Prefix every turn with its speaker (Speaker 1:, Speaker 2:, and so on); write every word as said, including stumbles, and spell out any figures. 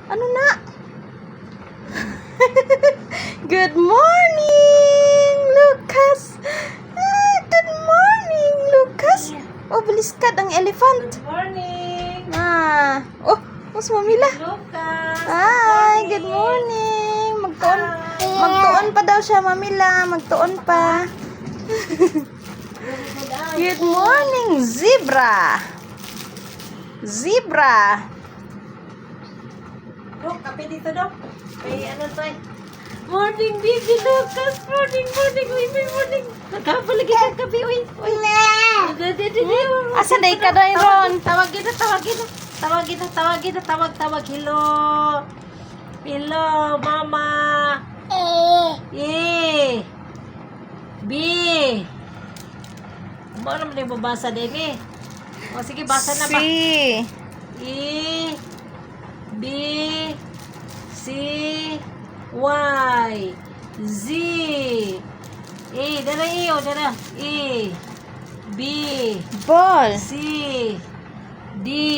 Speaker 1: Ano na? Good morning, Lucas. Ah, good morning, Lucas. Oh, baliskad ang elephant.
Speaker 2: Good morning.
Speaker 1: Ah, oh, mas mamila.
Speaker 2: Lucas.
Speaker 1: Hi, good morning. Magtuon, magtuon pa daw siya, mamila. Magtuon pa. Good morning, zebra. Zebra.
Speaker 2: Dok, kape dito, Dok. May ano to eh. Morning, baby Lucas. Morning, morning. Uy, may morning. Nagkapalagi kang kape, uy. Uy.
Speaker 1: Asa day ka daw, Ron?
Speaker 2: Tawag kita, tawag kita. Tawag kita, tawag kita, tawag, tawag. Hello. Hello, mama. E. B. Mo naman yung babasa din eh. O sige, basa na ba?
Speaker 1: Si.
Speaker 2: E. B. C. Y. Z. E. Dara E. O, dara. E. B.
Speaker 1: Ball.
Speaker 2: C. D.